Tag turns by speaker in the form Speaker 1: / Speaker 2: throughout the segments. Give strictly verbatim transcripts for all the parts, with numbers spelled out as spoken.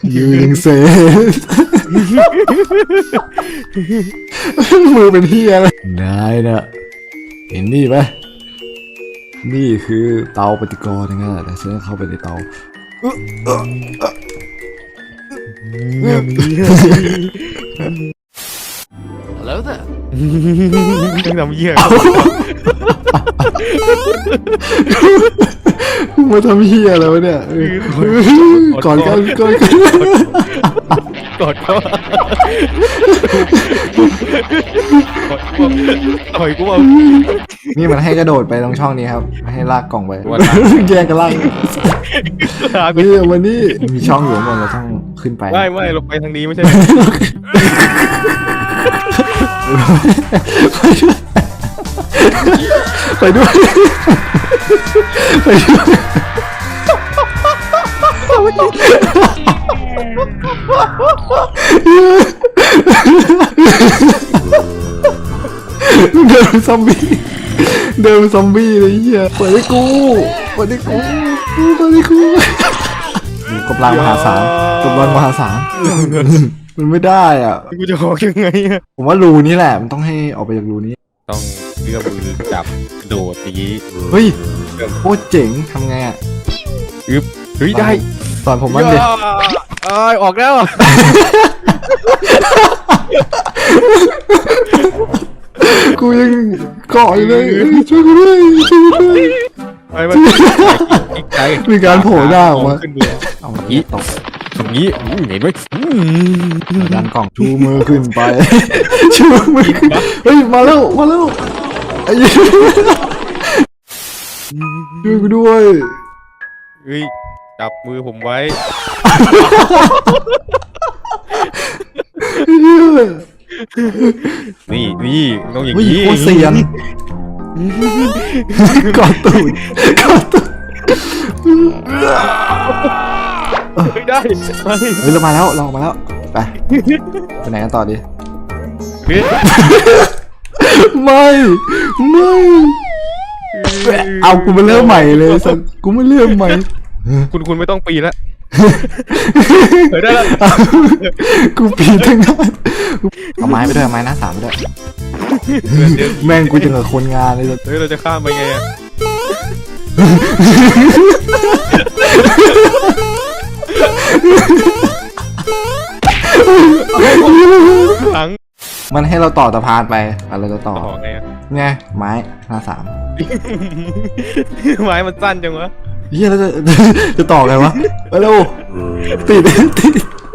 Speaker 1: ยืนเซมือเป็นเฮียอะไรนายนะเห็นนี่ไหมนี่คือเตาปฏิกรณ์นะแต่ฉันเข้าไปในเตา
Speaker 2: แล้วแต่
Speaker 3: ยังทำเหี้ย
Speaker 1: มาทำเฮียอะไรวะเนี่ยก่อนกันก่อนกัน
Speaker 3: กดเขาต่อยกูเอา
Speaker 1: นี่มันให้กระโดดไปตรงช่องนี้ครับให้ลากกล่องไปแยกกันลากนี่วันนี้มีช่องอยู่บนเราต้องขึ้นไป
Speaker 3: ไม่ไม่เราไปทางนี้ไม่ใช่
Speaker 1: ไปด้วยไปด้วยเดินซอมบี้เดินซอมบี้เลยเหี้ยเปิดให้กูเปิดให้กูเปิดให้กูกำลังมหาศาลกำลังมหาศาลมันไม่ได้อ่ะ
Speaker 3: กูจะออกยังไงอะ
Speaker 1: ผมว่ารูนี้แหละมันต้องให้ออกไปจากรูนี้
Speaker 3: ต้องเลือกมือจับโดดอย่างนี้
Speaker 1: เฮ้ยโคตรเจ๋งทำไงอ่ะ
Speaker 3: อึ๊บเฮ้ยได้
Speaker 1: สอนผมบ้างดิ
Speaker 3: เอ้ยออกแล้ว
Speaker 1: กูยังเกาะอยู่เลยช่วยกูด้วยช่วยกูด้วย
Speaker 3: ไปไปอีกใจ
Speaker 1: มีการโผล่หน้าออกมา
Speaker 3: ขึ้นเลย
Speaker 1: เอาอีตก
Speaker 3: อย่างนี้เห็นไหม
Speaker 1: ดันกล่องชูมือขึ้นไปชูมือขึ้นเฮ้ยมาแล้วมาแล้วไอ้ยี่ช่วยกูด้วย
Speaker 3: เฮ้ยจับมือผมไว้ นี่นี่ต้องอย่าง
Speaker 1: เฮ้ย
Speaker 3: นี้
Speaker 1: โคตรเซียนกอดตูดกอดตูด
Speaker 3: ไม่ได้ไม่
Speaker 1: เฮ้ยเรามาแล้วเราออกมาแล้วไปไปไหนกันต่อดี
Speaker 3: เฮ้ย
Speaker 1: ไม่ไม่เอากูมาเริ่มใหม่เลยสัสกูไม่เริ่มใหม่
Speaker 3: คุณคุณไม่ต้องปีนแล้วเฮ้ยได้แล้ว
Speaker 1: กูปีนทั้งนั้นเอาไม้ไปด้วยเอาไม้หน้าสามไปด้วยแม่งกูจะกับคนงานเลยสัส
Speaker 3: เฮ้ยเราจะข้ามไปไงอะหลัง
Speaker 1: มันให้เราต่อสะพานไปอะไรเราต่อ
Speaker 3: ต่อไงอะ
Speaker 1: ไงไม้หน้าสาม
Speaker 3: ไม้มันสั้นจังวะ
Speaker 1: เฮียแล้วจะจะต่อไงวะไปเร็วติดติด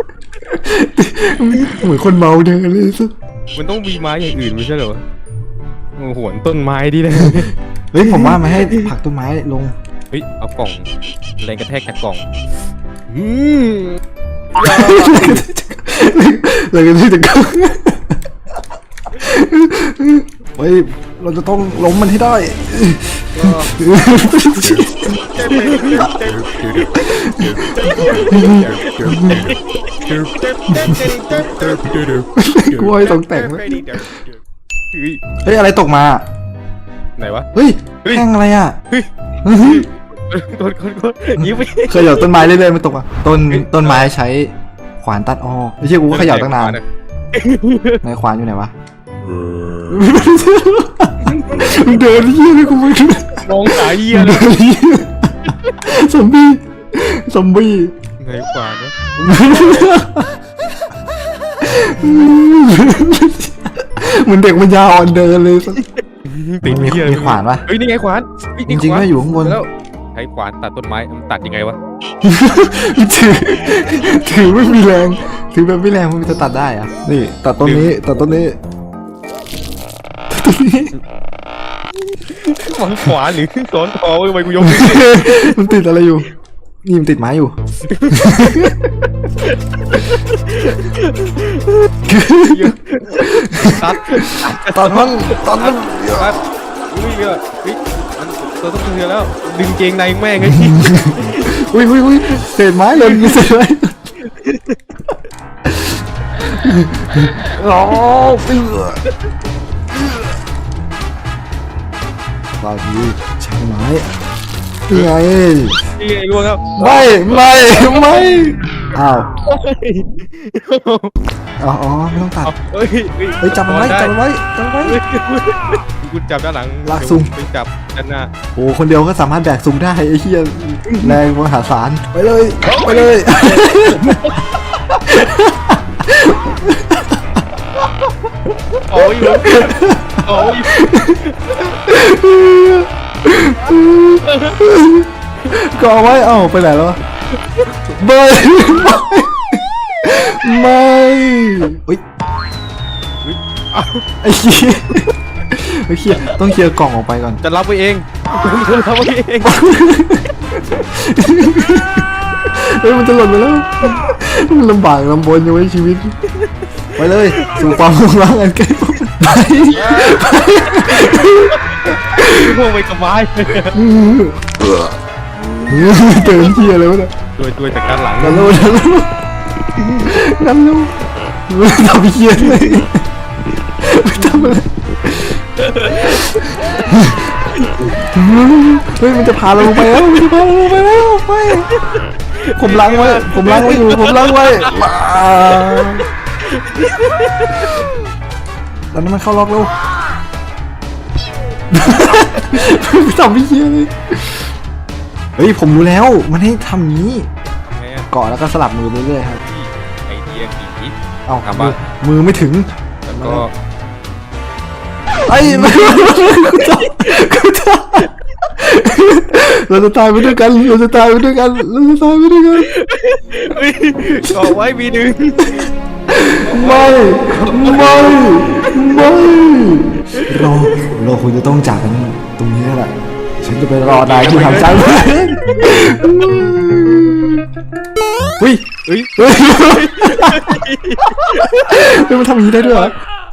Speaker 1: เหมือนคนเมาเดินเลยสัส
Speaker 3: มันต้องมีไม้อย่างอื่นไม่ใช่เหรอโอ้โหหวนต้นไม้ดีเลย
Speaker 1: เฮ้ยผมว่ามันให้ผลักต้นไม้ลง
Speaker 3: เฮ้ยเอากล่องแรงกระแทกจากกล่องอืม
Speaker 1: เลยกันที่จะก้เฮ้ยเราจะต้องล้มมันให้ได้กล้วยตกแต่งไหมเฮ้ยอะไรตกมา
Speaker 3: ไหนวะ
Speaker 1: เฮ้ยแท่งอะไรอ่ะ
Speaker 3: กดกดกดยิ้มไป
Speaker 1: เคยเหยาต้นไม้เรื่อยๆมันตกอ่ะต้นต้นไม้ใช้ขวานตัดอ้อไม่ใช่กูก็เขย่าตั้งนานในขวานอยู่ไหนวะเดินเยี่ยเลยกูไม่รู้
Speaker 3: มองสายเยี่ยเลย
Speaker 1: ซอมบี้ซอมบี้
Speaker 3: ไหนขวานวะ
Speaker 1: เหมือนเด็กมันยาอ่อนเดินเลย
Speaker 3: ติด
Speaker 1: มี
Speaker 3: เยี่ย
Speaker 1: มีขวานปะ
Speaker 3: เฮ้ยนี่ไงขวาน
Speaker 1: จริงๆก็อยู่ข้างบน
Speaker 3: แล้วใช้ขวานตัดต้นไม้มันตัดยังไงวะ
Speaker 1: ถือถือไม่มีแรงถือแบบไม่แรงมันจะตัดได้อะนี่ตัดต้นนี้ตัดต้นนี้ต้นนี้
Speaker 3: มันขวานหรือซ้อนคอทำไมกูยก
Speaker 1: มันติดอะไรอยู่นี่มันติดไม้อยู่
Speaker 3: ตัด
Speaker 1: ตัดมันตัดมัน
Speaker 3: ตัดอุ้ยเนี่ยอุ้ยมันเราต้องเตือนแล้วดึงเกงในแม่งไง
Speaker 1: อุ้ยอุ้ยอุ้ยเศษไม้เลยมีเศษไม้โอ้เปื่อตอนนี้ใช้ไม้ยังไง
Speaker 3: นี่ไงล่วงครับ
Speaker 1: ไม่ไม่ไม่อ้าวอ๋ออ๋อไม่ต้องตัด
Speaker 3: เฮ้ย
Speaker 1: เฮ้ยจับมันไว้จับมันไว้จับมันไว้
Speaker 3: กูจับด้านหลัง
Speaker 1: ลากซุ่ม
Speaker 3: ไปจับด้านหน้า
Speaker 1: โอ้คนเดียวก็สามารถแบกซุงได้ไอ้เหี้ยแรงมหาศาลไปเลยไปเลย
Speaker 3: โอ้ยโอ้ย
Speaker 1: ก็เอาไว้เอ้าไปไหนแล้ววะไม่ไม่เฮ้ยไอ้เหี้ยไอ้เหี้ยต้องเคลียร์กล่องออกไปก่อน
Speaker 3: จะรับไปเองจะรับไปเอง
Speaker 1: เฮ้ยมันจะหล่นไปแล้วมันลำบากลำบนอยู่ในชีวิตไปเลยสู่ความรุงรังอันใกล้ไปไป
Speaker 3: พวกไปกับไม้
Speaker 1: เตือนเที่ยเลยวะเนี่ย
Speaker 3: ด้วยด้วยจากด้านหลัง
Speaker 1: นั่นลูกนั่นลูกนั่นลูกไม่ทำเหี้ยเลยไม่ทำอะไรเฮ้ยมันจะพาเราลงไปแล้วมันจะพาเราลงไปแล้วไปผมล้างไว้ผมล้างไว้อยู่ผมล้างไว้ตอนนี้มันเข้าล็อกแล้วไม่ทำเหี้ยเลยเฮ้ยผมรู้แล้วมันให้ทำนี้เกาะแล้วก็สลับมือไปเรื่อยครับ
Speaker 3: ไอเดียผี
Speaker 1: เอ้า
Speaker 3: ทำบ้าง
Speaker 1: มือไม่ถึง
Speaker 3: แล้วก็
Speaker 1: ไอ้ไม่กูจะกูจะเราจะตายไปด้วยกันเราจะตายไปด้วยกันเราจะตายไปด้วยกัน
Speaker 3: ต่อไว้มีดึง
Speaker 1: ไม่ไม่ไม่เราเราควรจะต้องจากกันตรงนี้แหละฉันจะไปรอนายที่ทำใจเฮ้ย
Speaker 3: เฮ้ย
Speaker 1: เฮ้ยมันทำอย่างนี้ได้ด้วยเหรอ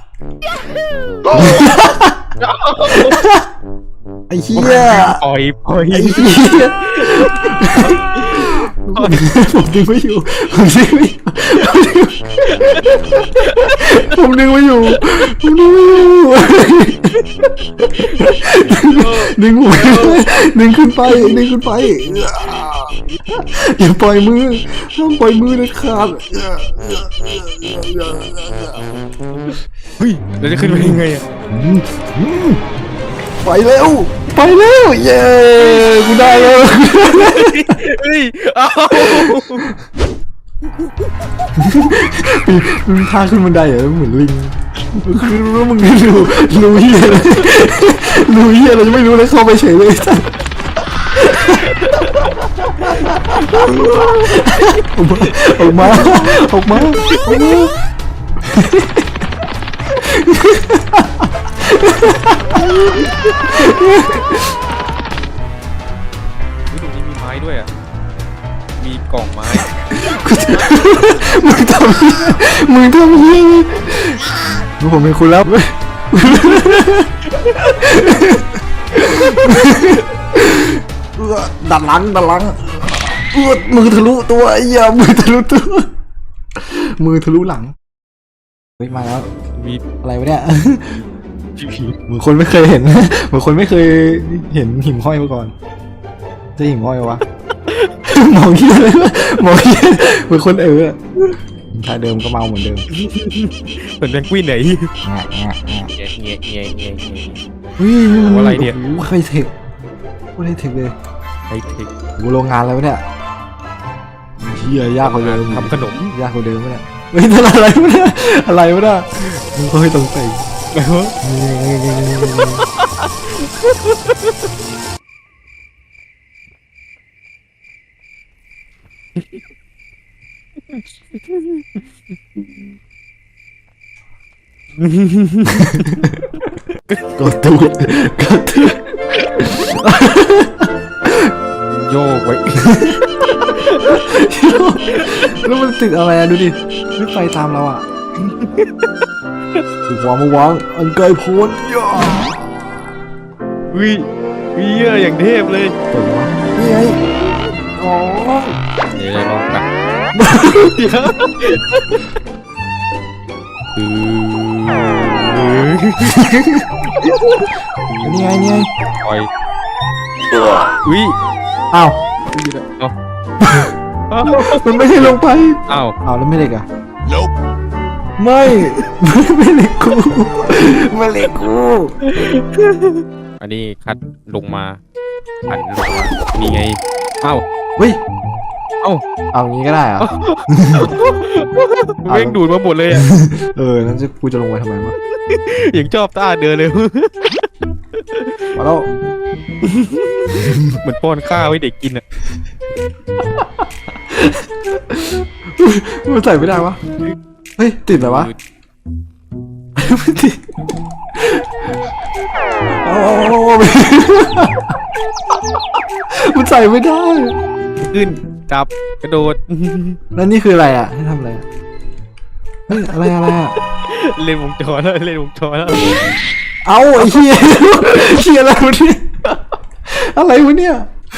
Speaker 1: ไอ้เหี้ย
Speaker 3: ปล่อยปล่อย
Speaker 1: ไอ้เหี้ยผมดึงไม่อยู่ผมดึงไม่อยู่ผมดึงไม่อยู่ผมดึงไม่อยู่ดึงผมดึงขึ้นไปดึงขึ้นไปอย่าปล่อยมือห้ามปล่อยมือเด็ดขาด
Speaker 3: เฮ้ยเราจะขึ้นไปยังไงอะ
Speaker 1: ไปเร็วไปเร็วเย้กูได้แล้ว
Speaker 3: เฮ้ยเอา
Speaker 1: มึงพาขึ้นบันไดเหรอเหมือนลิงคือรู้มึงรู้รู้เหี้ยเลยรู้เหี้ยเราจะไม่รู้เลยเข้าไปเฉยเลยออกมาออกมาออกมา
Speaker 3: ตรงนี้มีไม้ด้วยอ่ะมีกล่องไม้
Speaker 1: มึงทำเหี้ยมึงทำเหี้ยมึงผมเป็นคุณแล้วดัดหลังดัดหลังมือทะลุตัวไอ้เหี้ยมือทะลุตัวมือทะลุหลังเฮ้ยมาแล้ว
Speaker 3: มี
Speaker 1: อะไรวะเนี่ย
Speaker 3: ผี
Speaker 1: เหมือนคนไม่เคยเห็น เหมือนคนไม่เคยเห็นหิ่งห้อยมาก่อนจะหิ่งห้อยวะ มองเหี้ยเลยวะมองเหี้ยเหมือนคนเออท่าเดิมก็เมาเหมือนเดิม
Speaker 3: เหมือนแบงกวินไหน
Speaker 1: แงะแงะแงะ
Speaker 3: เงี้ยเงี้ยเงี้ยเงี้ยเงี้ย
Speaker 1: เฮ้ย
Speaker 3: อะไรเนี่ย
Speaker 1: โอ้โหใครเทคโคตรเทคเลย
Speaker 3: ไฮเทค
Speaker 1: โอ้โหโรงงานอะไรวะเนี่ยเฮียยากกว่าเดิม
Speaker 3: ทำขนม
Speaker 1: ยากกว่าเดิมวะเนี่ยเฮ้ยนั่นอะไรวะเนี่ยอะไรวะเนี่ยมึงก็ให้ตรงใส่
Speaker 3: แล้ว
Speaker 1: กดตูดกดตูด
Speaker 3: โยกไว้
Speaker 1: แล้วมันติดอะไรอะดูดิไม่ไฟตามเราอะถูกวางมาวางอันไกลโพ้นย่า
Speaker 3: วิวิเยอะอย่างเทพเลย
Speaker 1: เปิดวะนี่ไงอ๋อ
Speaker 3: เดี๋ยวลองกันคือ
Speaker 1: นี่ไงนี่ไง
Speaker 3: ปล่อยวิ
Speaker 1: อ้าว
Speaker 3: เอา
Speaker 1: มันไม่ให้ลงไป
Speaker 3: อ้าว
Speaker 1: เอาแล้วไม่เหล็กอ่ะไม่ไม่เหล็กกูไม่เหล็กกู
Speaker 3: อันนี้คัดลงมาหันลงมานี่ไงอ้าว
Speaker 1: เฮ้ย
Speaker 3: เอ้า
Speaker 1: เอางี้ก็ได้เหรอ
Speaker 3: เร่งดูดมาหมดเลยอ่ะ
Speaker 1: เออนั่นจะกูจะลงไปทำไมวะ
Speaker 3: อย่างชอบต้าเดินเลย
Speaker 1: มาแล้ว
Speaker 3: เหมือนป้อนข้าวให้เด็กกินอ่ะ
Speaker 1: มันใส่ไม่ได้วะเฮ้ยติดเหรอวะไม่ติดโอ้มันใส่ไม่ได้
Speaker 3: ขึ้นจับกระโดด
Speaker 1: แล้วนี่คืออะไรอ่ะให้ทำอะไรอ่ะเฮ้ยอะไรอะไรอ่ะ
Speaker 3: เล่นวงจรแล้วเล่นวงจรแล้ว
Speaker 1: เอาไอ้เหี้ยเหี้ยอะไรวะเนี่ยอะไรวะเนี่ย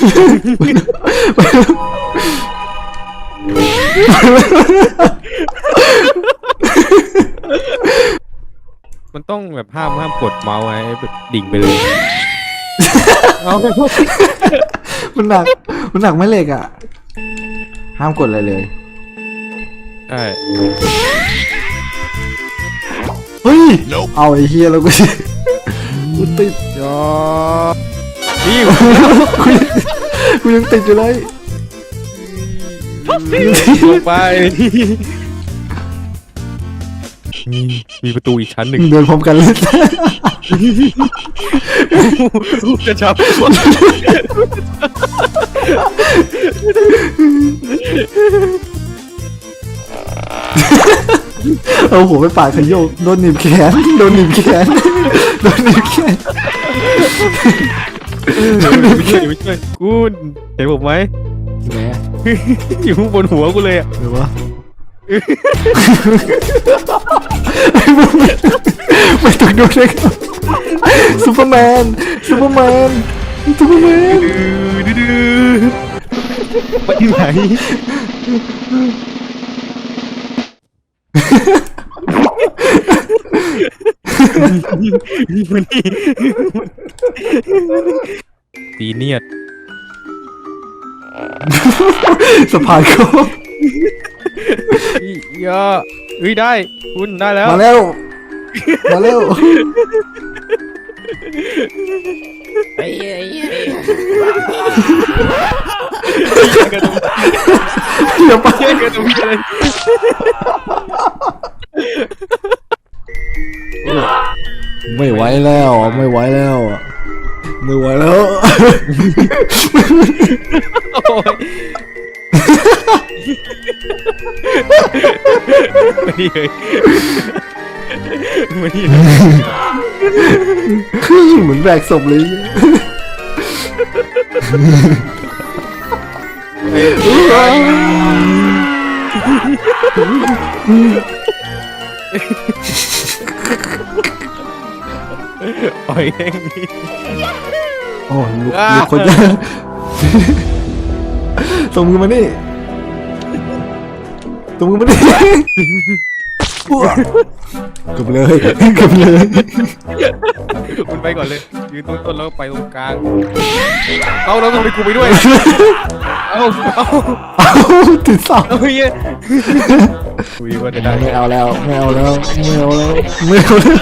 Speaker 3: มันต้องแบบห้ามห้ามกดเมาส์ไว้แบบดิ่งไปเลยเอา
Speaker 1: มันหนักมันหนักไม่เหล็กอ่ะห้ามกดอะไรเลย
Speaker 3: ใช่
Speaker 1: เฮ้ยเอาไอ้เหี้ยแล้วกูกูติด
Speaker 3: ยอนี่
Speaker 1: กูยังกูยังติดอยู่เลย
Speaker 3: ลงไปมีประตูอีกชั้นหนึ่ง
Speaker 1: เดินพร้อมกันเลย
Speaker 3: กระชับ
Speaker 1: เอาหัวไปปาดขยโยกโดนหนีบแขนโดนหนีบแขนโดนหนีบแขน
Speaker 3: ไม่ช่วยไม่ช่วยกูเห็นผมไหม
Speaker 1: แหม
Speaker 3: อยู่ข้างบนหัวกูเลยอ่ะ
Speaker 1: หรือวะไม่ต้องดูเลยครับซูเปอร์แมนซูเปอร์แมนซูเปอร์แมน
Speaker 3: ดื้อไปไหนมันนี่ตีเนียด
Speaker 1: สะพานโค้ง
Speaker 3: ยาเฮ้ยได้คุณได้แล้ว
Speaker 1: มาแล้วมาแล้ว เดี๋ยวไป
Speaker 3: เฮ้ยกันตรงนี้เลย
Speaker 1: ไม่ไหวแล้วไม่ไหวแล้วไม่ไหวแล้ว
Speaker 3: โอ้ยไม่ดีเลยไม่ดีเลย
Speaker 1: เหมือนแบกศพเลย
Speaker 3: ปล่อยเอง
Speaker 1: โอ้ลูกลูกคนยากส่งมือมานี่ส่งมือมานี่เกือบเลยเกือบเลย
Speaker 3: คุณไปก่อนเลยยืนตรงต้นแล้วไปตรงกลางเอาแล้วทำไมกูไปด้วยเอาเอา
Speaker 1: เอาติดเสา
Speaker 3: เอาเฮ้ยคุยว่าจะได้
Speaker 1: ไม่เอาแล้วไม่เอาแล้วไม่เอาแล้วไม่เอาแล้ว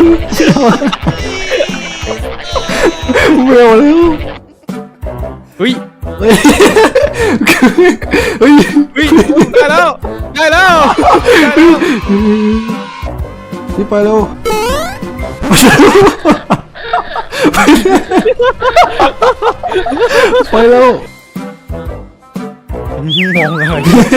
Speaker 1: ไม่เอาแล้ว
Speaker 3: เฮ้ย
Speaker 1: เฮ้ยเฮ้ย
Speaker 3: เฮ้ยได้แล้วได้แล้วได้แล้ว
Speaker 1: พี่ไปเร็วไปเร็ว
Speaker 3: มองอะไร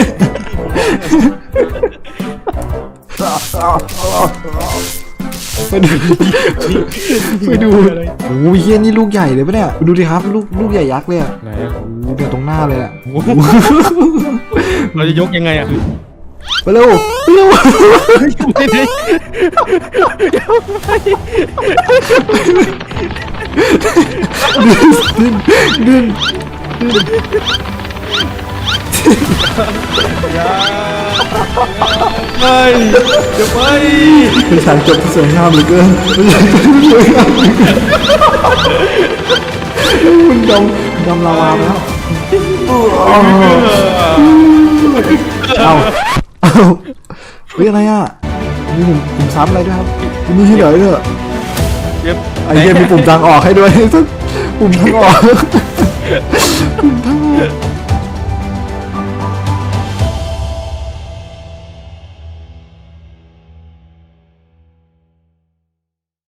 Speaker 1: ไปดูไปดูโอ้ยเฮียนี่ลูกใหญ่เลยปะเนี่ยดูดิครับลูกลูกใหญ่ยักษ์เลยอ่ะ
Speaker 3: ไหนอะ
Speaker 1: โอ้เดี๋ยวตรงหน้าเลยอ่ะ
Speaker 3: เราจะยกยังไงอะ
Speaker 1: ไปเร็วไปเร็ว
Speaker 3: ไม่ได้
Speaker 1: ดึงดึง
Speaker 3: ไม่จะไป
Speaker 1: เป็นฉากจบที่สวยงามเหลือเกินเป็นฉากจบที่สวยงามเหลือเกินมันดำดำลาวาแล้วเอาเอาเฮ้ยอะไรอ่ะมีปุ่มปุ่มซ้ำอะไรด้วยครับมีที่ไหนเนี่ย
Speaker 3: เย็บ
Speaker 1: ไอ้เหี้ยมีปุ่มทางออกให้ด้วย ปุ่มทางออกปุ่ม